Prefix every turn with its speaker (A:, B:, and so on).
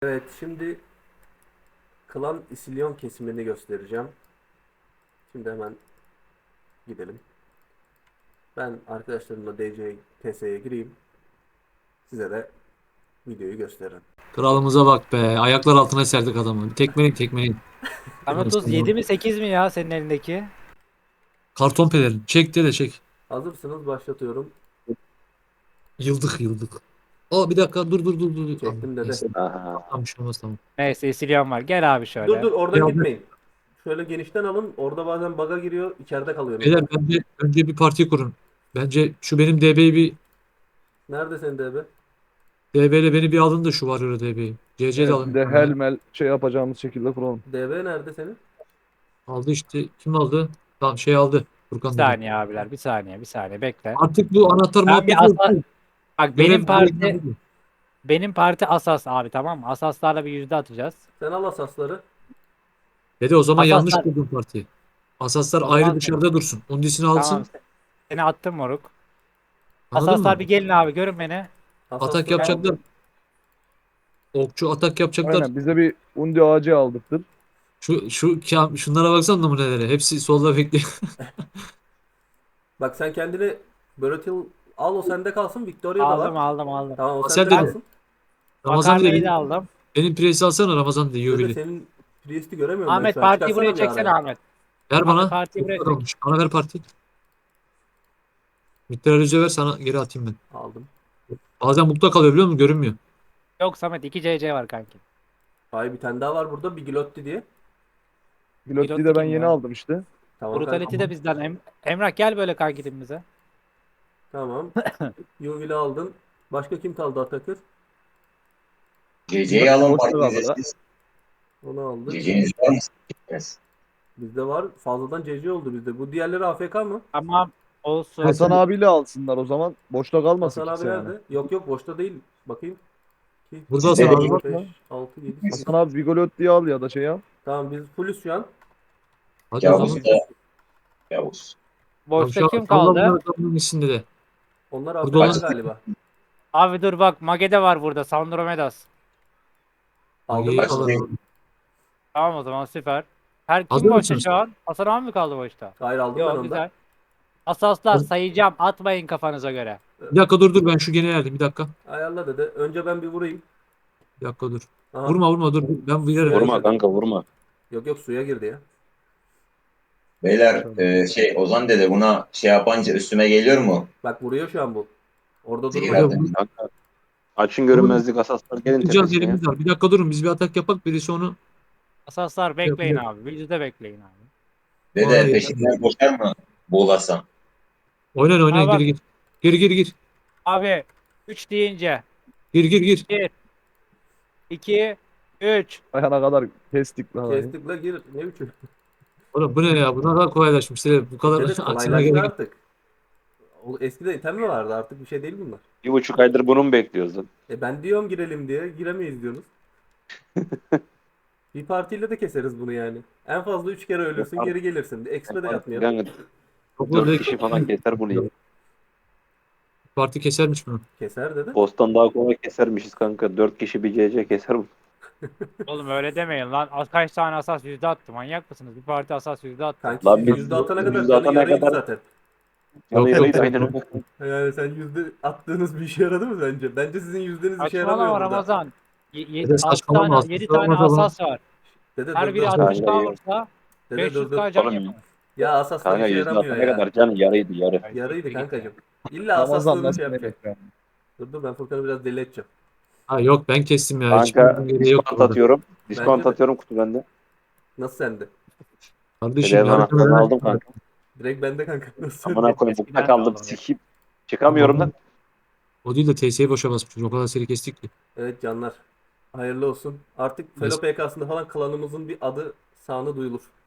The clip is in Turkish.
A: Evet, şimdi Klan İsilyon kesimini göstereceğim. Şimdi hemen gidelim. Ben arkadaşlarımla DC TS'ye gireyim. Size de videoyu gösteririm.
B: Kralımıza bak be. Ayaklar altına serdik adamı. Tekmeleyin tekmeleyin.
C: Samet Uz 7 mi 8 mi ya senin elindeki?
B: Karton pelerin. Çek de çek.
A: Hazırsınız, başlatıyorum.
B: Yıldık yıldık. Aa bir dakika dur. Aa,
A: Çektim dede.
B: neyse.
D: Aha.
B: Tamam bir şey olmaz tamam.
C: Neyse İsilyan var. Gel abi
A: Dur
C: şöyle.
A: dur, oradan
B: Ya,
A: gitmeyin. Şöyle genişten alın. Orada bazen bug'a giriyor. İçeride kalıyorsunuz.
B: beyler bence önce bir parti kurun. Bence şu benim DB'yi bir
A: Nerede senin DB?
B: DB ile beni bir alın da şu var öyle DB'yi. CC de
D: Evet, bir
B: alın.
D: de helmel şey yapacağımız şekilde kuralım.
A: DB nerede senin?
B: Aldı işte. Kim aldı? Tamam şey aldı.
C: Bir
B: Furkan dedi.
C: saniye abiler bir saniye bekle.
B: Artık bu anahtar
C: Ben bir
B: muhabbeti
C: asa
B: yok.
C: bak
B: Görev görevden değil.
C: benim parti Asas abi, tamam mı? Asaslarla bir yüzde atacağız.
A: Sen al asasları.
B: Dede o zaman yanlış
C: Asaslar
B: kurdun partiyi. Asaslar
C: o
B: ayrı
C: zaman
B: dışarıda dursun. Undisini
C: tamam,
B: alsın.
C: seni attım moruk.
B: Anladın
C: Asaslar
B: mı?
C: bir gelin abi, görün beni.
B: Atak
A: Asasları
B: yapacaklar.
A: aldım.
B: Okçu atak yapacaklar.
D: Aynen, bize bir undi ağacı aldıktır.
B: Şunlara baksana numunelere. Hepsi solda bekliyor.
A: Bak sen kendini Börotil al, o sende kalsın. Victoria da var.
C: Aldım.
A: Tamam, o
B: Asel
A: sende
B: dedi.
A: kalsın.
B: Ramazan dedi
C: Makarnayı da
B: benim,
C: aldım.
B: benim presi alsana Ramazan dedi
A: Dede
B: Yuveli.
A: senin Priest'i göremiyorum ben
C: Ahmet
A: şu an.
C: partiyi
A: Çıkarsana
C: buraya
A: bir
C: çeksene
A: araya.
C: Ahmet.
B: Ver
C: Ahmet
B: bana.
C: partiyi
B: Çok
C: buraya
B: kadar
C: çek.
B: olmuş. Bana ver parti. Mitralize ver sana geri atayım ben.
A: Aldım.
B: Bazen bukta kalıyor biliyor musun? Görünmüyor.
C: Yok Samet, 2 CC var kanki.
A: Hayır, bir tane daha var burada. Bigilotti diye.
D: Pilotliği
C: Pilot
D: de ben
C: kim
D: yeni
C: ya?
D: aldım işte.
A: Tamam
C: Brutality
A: kanka.
C: de bizden. Emrah gel böyle kanki dibimize.
A: Tamam. Yuvil'i aldın. Başka kim kaldı Atakır?
E: CC'yi alın
D: Boşta kaldı da.
E: partinize.
A: Onu aldık.
E: CC'niz var mı? Yes.
A: Bizde var. Fazladan CC oldu bizde. Bu diğerleri AFK mı?
C: Tamam olsun.
D: Hasan abiyle alsınlar o zaman. Boşta kalmasın
A: Hasan abi
D: kimse yani.
A: nerede? Yok boşta değil. Bakayım. 2,
B: Burada
A: 3,
B: Hasan
E: Sizde
B: abi
A: 4,
B: var.
A: 5,
D: Bakma.
A: 6, 7,
D: Hasan
A: 8.
D: abi Vigolotti'yi al ya da şey al.
A: Tamam, biz fullüz şu an.
B: Hadi o
E: Yavuz
B: zaman.
E: da Yavuz.
B: Ya
C: Boşta
B: şu
C: kim
B: salla
C: kaldı?
B: bunları adamın içinde de.
A: Onlar
B: Burada
A: AFK
B: olan
A: galiba.
C: Abi dur bak, Magede var burada. Sandromedas.
A: Aldım
B: Mage'yi
A: ben onu.
E: Başlayın.
B: alalım.
C: Tamam o zaman süper. Her kim
B: Hazır
C: boşta
B: mısınız?
C: şu an? Hasan abi mi kaldı boşta?
A: Hayır, aldım ben
C: Yok
A: ondan.
C: güzel. Asaslar sayacağım. Atmayın kafanıza göre.
B: Bir dakika dur ben şu gene geldim bir dakika.
A: Ayarla dede. Önce ben bir vurayım.
B: Bir dakika dur.
A: Aha.
B: Vurma dur. Ben bir
A: Suya
B: yere.
E: Vurma
A: girdi.
E: kanka vurma.
A: Yok suya girdi ya.
E: Beyler Ozan dede buna şey yapınca üstüme geliyor mu?
A: Bak vuruyor şu an bu. Orada
E: Zehir
A: durmayın.
B: Hocam
E: aldım.
F: Kanka, açın
B: vurun.
F: görünmezlik asaslar gelin
B: Tutacağız
F: tepesine ya.
B: yerimiz var. Bir dakika durun biz bir atak yapak birisi onu
C: Asaslar bekleyin
B: yapıyor.
C: abi. Yüzde bekleyin abi.
E: Dede
B: Vallahi
E: peşinden koşar mı? Boğulasam.
B: Oynayın
C: Aa bak
B: gir. Gir.
C: abi, 3 deyince
B: Gir.
C: 1, 2, 3.
D: Ayağına kadar kestik lan.
A: Kestik la, gir. Ne biçim?
B: Oğlum bu ne ya? Bu ne kadar kolaylaşmış. Bu kadar
A: Dede
B: aksine
A: kolaylaştı
B: gerek yok.
A: artık. Eskiden item mi vardı, artık bir şey değil bunlar.
F: 1,5 aydır bunu mu bekliyoruz lan?
A: Ben diyorum girelim diye. Giremeyiz diyorsunuz. Bir partiyle de keseriz bunu yani. En fazla 3 kere ölürsün, geri gelirsin. Expe de yapmayalım.
F: Yani
B: Topla
F: 4
B: direkt
F: kişi falan keser bunu ya.
B: parti kesermiş bunu.
A: Keser dedi.
F: Boss'tan daha kolay kesermişiz kanka. 4 kişi bir CC keser bu.
C: Oğlum öyle demeyin lan. Kaç tane asas yüzde attı? Manyak mısınız? Bir parti asas yüzde attı.
A: Kanki
F: Lan
A: siz
F: biz-
A: yüzde atana kadar
F: yüzde
A: canı
F: atana
A: yarıydı
F: kadar-
A: zaten.
F: Canı
B: Yok,
F: yarıydı
B: yok.
F: aynen öyle.
A: Yani sen yüzde attığınız bir işe yaradı mı bence? Bence sizin yüzdeniz işe yaramıyor
C: Saçmalama
A: burada.
C: Ramazan.
B: Dede
C: 6
B: saçmalama
C: tane, 7
B: aslında.
C: tane
B: Olmaz ama.
C: asas var.
A: Dede
C: Her
A: dur
C: biri
A: dur.
F: Kanka,
C: 60k
F: yok.
C: vursa
A: Dede dur dur.
C: 500k can
F: Oğlum,
C: yapar.
A: Ya asaslar
F: Kanka
A: işe
F: yüzde
A: yaramıyor
F: atana
A: ya.
F: kadar canı yarıydı yarı.
A: Yarıydı kankacım. İlla
D: Ramazan
A: asaslığını
D: nasıl
A: şey yapacak.
D: melek ya?
A: Dur ben Furkan'ı biraz deli edeceğim.
B: Ha yok ben kestim ya. Hiç
F: Kanka
B: gereği yok
F: diskont
B: burada.
F: atıyorum.
A: Bence
F: Diskont
A: de.
F: atıyorum kutu bende.
A: Nasıl sende?
B: Kardeşim
F: Bedev
B: yarı
F: anahtarını aldım kanka.
A: Direkt bende kanka. Nasıl
F: Amına
A: sende?
F: koyayım
C: Eskiden
F: bukta
C: de
F: kaldım
C: aldım ya.
F: sikip. Çıkamıyorum lan.
B: O değil de TS'yi boşa basmışız. O kadar seri kestik ki.
A: Evet canlar. Hayırlı olsun. Artık Felo
B: Neyse.
A: PK'sında falan klanımızın bir adı sanı duyulur.